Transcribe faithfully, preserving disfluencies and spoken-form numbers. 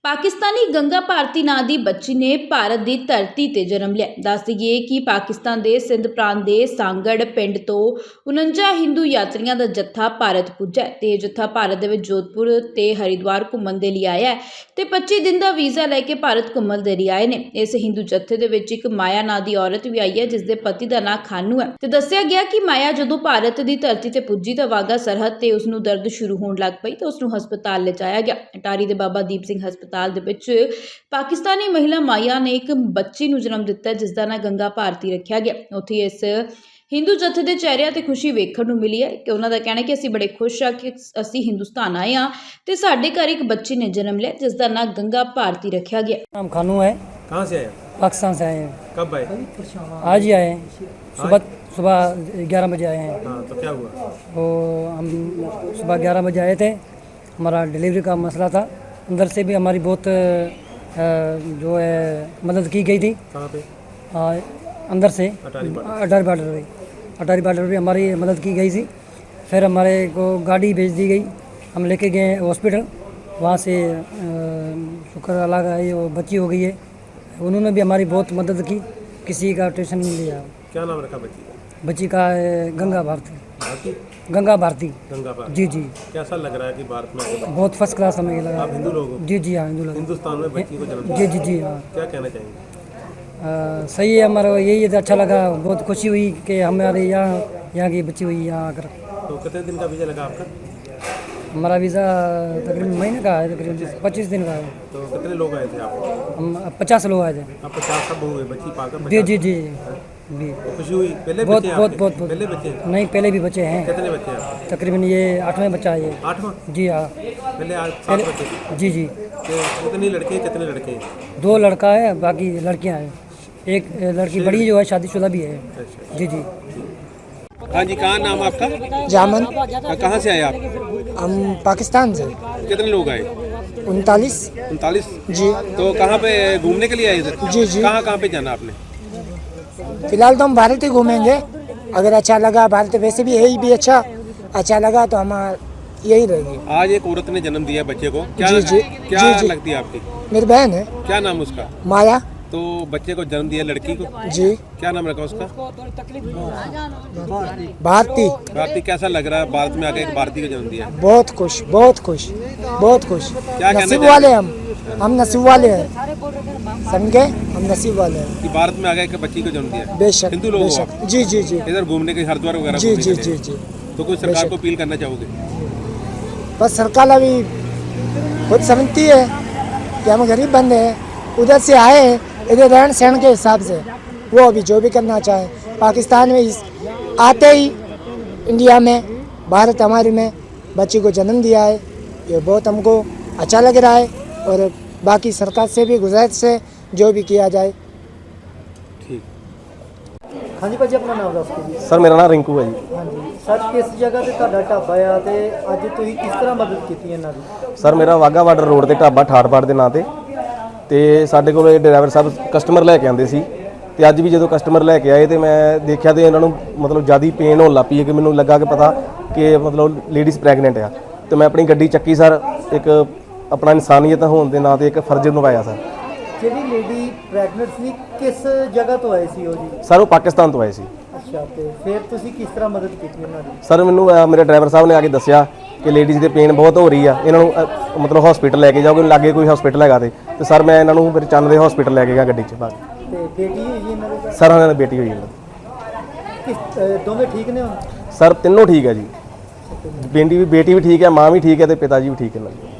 पाकिस्तानी गंगा भारती ਨਾਂ ਦੀ ਬੱਚੀ ਨੇ ਭਾਰਤ ਦੀ ਧਰਤੀ ਤੇ ਜਨਮ ਲਿਆ। ਦੱਸ ਦਈਏ ਕਿ ਪਾਕਿਸਤਾਨ ਦੇ ਸਿੰਧ ਪ੍ਰਾਂਤ ਦੇ ਸਾਂਗੜ ਪਿੰਡ ਤੋਂ ਉਨੰਜਾ ਹਿੰਦੂ ਯਾਤਰੀਆਂ ਦਾ ਜੱਥਾ ਭਾਰਤ ਪੁੱਜਾ ਤੇ ਇਹ ਜੱਥਾ ਭਾਰਤ ਦੇ ਵਿੱਚ ਜੋਧਪੁਰ ਤੇ ਹਰਿਦੁਆਰ ਘੁੰਮਣ ਦੇ ਲਈ ਆਇਆ ਹੈ ਤੇ ਪੱਚੀ ਦਿਨ ਦਾ ਵੀਜ਼ਾ ਲੈ ਕੇ ਭਾਰਤ ਘੁੰਮਣ ਦੇ ਲਈ ਆਏ ਨੇ। ਇਸ ਹਿੰਦੂ ਜੱਥੇ ਦੇ ਵਿੱਚ ਇੱਕ ਮਾਇਆ ਨਾਂ ਦੀ ਔਰਤ ਵੀ ਆਈ ਹੈ ਜਿਸ ਦੇ ਪਤੀ ਦਾ ਨਾਂ ਖਾਨੂ ਹੈ ਤੇ ਦੱਸਿਆ ਗਿਆ ਕਿ ਮਾਇਆ ਜਦੋਂ ਭਾਰਤ ਦੀ ਧਰਤੀ ਤੇ ਪੁੱਜੀ ਤਾਂ ਵਾਗਾ ਸਰਹੱਦ ਤੇ ਉਸ ਨੂੰ ਦਰਦ ਸ਼ੁਰੂ ਹੋਣ ਲੱਗ ਪਈ ਤਾਂ ਉਸ ਨੂੰ ਹਸਪਤਾਲ ਲਿਜਾਇਆ ਗਿਆ। ਅਟਾਰੀ ਦੇ ਬਾਬਾ ਦੀਪ ਸਿੰਘ ਹਸਪਤਾਲ ਦੇ ਵਿੱਚ ਪਾਕਿਸਤਾਨੀ ਮਹਿਲਾ ਮਾਇਆ ਨੇ ਇੱਕ ਬੱਚੀ ਨੂੰ ਜਨਮ ਦਿੱਤਾ ਜਿਸ ਦਾ ਨਾਂ ਗੰਗਾ ਭਾਰਤੀ ਰੱਖਿਆ ਗਿਆ। ਉੱਥੇ ਇਸ ਹਿੰਦੂ ਜੱਥੇ ਦੇ ਚਿਹਰਿਆਂ ਤੇ ਖੁਸ਼ੀ ਵੇਖਣ ਨੂੰ ਮਿਲੀ ਹੈ ਕਿ ਉਹਨਾਂ ਦਾ ਕਹਿਣਾ ਕਿ ਅਸੀਂ ਬੜੇ ਖੁਸ਼ ਆ ਕਿ ਅਸੀਂ ਹਿੰਦੁਸਤਾਨ ਆਏ ਹਾਂ ਤੇ ਸਾਡੇ ਘਰ ਇੱਕ ਬੱਚੀ ने जन्म लिया जिस का नाम गंगा भारती रखा गया। नाम खानू है। कहाँ से आए? पाकिस्तान से आए हैं। कब आए? आज ही आए हैं। सुबह सुबह ग्यारह बजे आए हैं। हाँ, तो क्या हुआ? वो हम सुबह ग्यारह बजे आए थे। हमारा डिलीवरी का मसला था। अंदर से भी हमारी बहुत जो है मदद की गई थी। कहाँ पे? आ, अंदर से अटारी बॉर्डर। अटारी बॉर्डर पे अटारी बॉर्डर पे हमारी मदद की गई थी। फिर हमारे को गाड़ी भेज दी गई। हम लेके गए हॉस्पिटल। वहाँ से शुक्र अल्लाह का ये वो बच्ची हो गई है। उन्होंने भी हमारी बहुत मदद की, किसी का टेंशन नहीं लिया। क्या नाम रखा बच्ची का? बच्ची का है गंगा भारती। भारती? गंगा भारती। गंगा भारती। जी जी कैसा लग रहा है कि भारत में आके बहुत फर्स्ट क्लास हमें ये लगा। आप हिंदू लोग हो? जी जी हाँ हिंदू लोग। हिंदुस्तान में बच्ची को जन्म जी दिया। जी जी हाँ क्या कहना चाहेंगे? आ, सही है। हमारा यही अच्छा लगा, बहुत खुशी हुई कि हमारे यहाँ यहाँ की बच्ची हुई यहाँ आकर। तो कितने दिन का वीजा लगा आपका? हमारा वीज़ा तकरीबन महीने का है, तकरीबन पच्चीस दिन का है। तो कितने लोग आए थे आप? हम पचास लोग आए थे। आप पचास सब हुए बच्ची पाकर? जी पचास? जी जी जी तो खुशी हुई? पहले बहुत बच्चे हैं बहुत आपके? बहुत बहुत पहले बच्चे हैं? नहीं, पहले भी बच्चे हैं। कितने बच्चे हैं आपके? तकरीबन ये आठवें बच्चा है ये। आठवां? जी हाँ। पहले आज सात बच्चे थे। जी जी तो कितने लड़के कितने लड़के? दो लड़का है, बाकी लड़कियां हैं। एक लड़की बड़ी जो है शादीशुदा भी है। अच्छा। जी जी हाँ जी, कहाँ नाम आपका? जामन। कहाँ से आए आप? हम पाकिस्तान से। कितने लोग आए? उनतालीस। उनतालीस? जी तो कहाँ पे घूमने के लिए आए इधर? जी जी। कहाँ कहाँ पे जाना आपने? फिलहाल तो हम भारत ही घूमेंगे। अगर अच्छा लगा भारत, वैसे भी यही भी अच्छा अच्छा लगा तो हम यही रहेंगे। आज एक औरत ने जन्म दिया बच्चे को, क्या जी, जी, क्या जी, जी। लगती है आपकी? मेरी बहन है क्या नाम उसका? माया। तो बच्चे को जन्म दिया लड़की को, जी क्या नाम रखा उसका? भारती। भारती। कैसा लग रहा है भारत में आके एक भारती को जन्म दिया? बहुत खुश, बहुत खुश, बहुत खुश। क्या कहना नसीब चाहेंगे? वाले हम हम नसीब वाले हैं, समझे? हम नसीब वाले हैं। कि भारत में आके एक बच्ची को जन्म दिया? बेशक हिंदू लोग हो बेशक। आप? जी जी जी इधर घूमने के हरिद्वार वगैरह जी घूमने जी के जी लिए। जी। तो कोई सरकार बेशक। को अपील करना चाहोगे? बस सरकार अभी खुद समझती है कि हम गरीब बंदे हैं, उधर से आए हैं, इधर रहन सहन के हिसाब से वो अभी जो भी करना चाहे। पाकिस्तान में इस आते ही इंडिया में, भारत हमारे में बच्ची को जन्म दिया है, ये बहुत हमको अच्छा लग रहा है। और बाकी सरकार से भी गुजारिश है जो भी किया जाए। ठीक। हाँ जी भाजी, अपना नाम दस जी। सर मेरा नाम रिंकू है जी। हाँ जी सर, किस जगह ਤੇ ਤੁਹਾਡਾ ਢਾਬਾ ਆ ਤੇ ਅੱਜ ਤੁਸੀਂ ਕਿਸ ਤਰ੍ਹਾਂ ਮਦਦ ਕੀਤੀ ਇਹਨਾਂ ਦੀ? ਸਰ ਮੇਰਾ ਵਾਗਾ ਬਾਰਡਰ ਰੋਡ ਤੇ ਢਾਬਾ ਠਾੜਪਾੜ ਦੇ ਨਾਂ ਤੇ ਤੇ ਸਾਡੇ ਕੋਲ ਇਹ ਡਰਾਈਵਰ ਸਾਹਿਬ ਕਸਟਮਰ ਲੈ ਕੇ ਆਉਂਦੇ ਸੀ ਤੇ ਅੱਜ ਵੀ ਜਦੋਂ ਕਸਟਮਰ ਲੈ ਕੇ ਆਏ ਤੇ ਮੈਂ ਦੇਖਿਆ ਤੇ ਇਹਨਾਂ ਨੂੰ ਮਤਲਬ ਜ਼ਿਆਦਾ ਪੇਨ ਹੋਣ ਲੱਗ ਪਈ ਹੈ ਕਿ ਮੈਨੂੰ ਲੱਗਾ ਕਿ ਪਤਾ ਕਿ ਮਤਲਬ ਲੇਡੀਜ਼ ਪ੍ਰੈਗਨੈਂਟ ਆ ਤੇ ਮੈਂ ਆਪਣੀ ਗੱਡੀ ਚੱਕੀ ਸਰ, ਇੱਕ ਆਪਣਾ ਇਨਸਾਨੀਅਤ ਹੋਣ ਦੇ ਨਾਂ ਤੇ ਇੱਕ ਫਰਜ਼ ਨਿਭਾਇਆ ਸਰ। ਜਿਹੜੀ ਲੇਡੀ ਪ੍ਰੈਗਨੈਂਟ ਸੀ ਕਿਸ ਜਗ੍ਹਾ ਤੋਂ ਆਏ ਸੀ ਉਹ ਜੀ? ਸਰ ਉਹ ਪਾਕਿਸਤਾਨ ਤੋਂ ਆਏ ਸੀ। ਅੱਛਾ, ਤੇ ਫਿਰ ਤੁਸੀਂ ਕਿਸ ਤਰ੍ਹਾਂ ਮਦਦ ਕੀਤੀ ਉਹਨਾਂ ਦੀ? ਸਰ ਮੈਨੂੰ ਅ, ਮੇਰੇ ਡਰਾਈਵਰ ਸਾਹਿਬ ਨੇ ਆ ਕੇ ਦੱਸਿਆ ਕਿ ਲੇਡੀਜ਼ ਦੇ ਪੇਨ ਬਹੁਤ ਹੋ ਰਹੀ ਆ, ਇਹਨਾਂ ਨੂੰ ਅ, ਮਤਲਬ ਹਸਪੀਟਲ ਲੈ ਕੇ ਜਾਓਗੇ, ਲਾਗੇ ਕੋਈ ਹਸਪੀਟਲ ਹੈਗਾ ਤੇ ਤੇ ਸਰ ਮੈਂ ਇਹਨਾਂ ਨੂੰ ਮੇਰੇ ਚੰਨ ਦੇ ਹਸਪੀਟਲ ਲੈ ਕੇ ਗਿਆ ਗੱਡੀ 'ਚ ਬਾਅਦ। ਤੇ ਬੇਟੀ ਹੋਈ ਜੀ ਇਹਨਾਂ ਦੇ? ਸਰ ਉਹਨਾਂ ਦੀ ਬੇਟੀ ਹੋਈ ਇਹਨਾਂ ਦੀ। ਕਿਸ ਅ, ਦੋਵੇਂ ਠੀਕ ਨੇ ਹੁਣ? ਸਰ ਤਿੰਨੋਂ ਠੀਕ ਹੈ ਜੀ। ਬੇਟੀ ਵੀ ਬੇਟੀ ਵੀ ਠੀਕ ਹੈ, ਮਾਂ ਵੀ ਠੀਕ ਹੈ ਤੇ ਪਿਤਾ ਜੀ ਵੀ ਠੀਕ ਹੈ ਨਾਲ।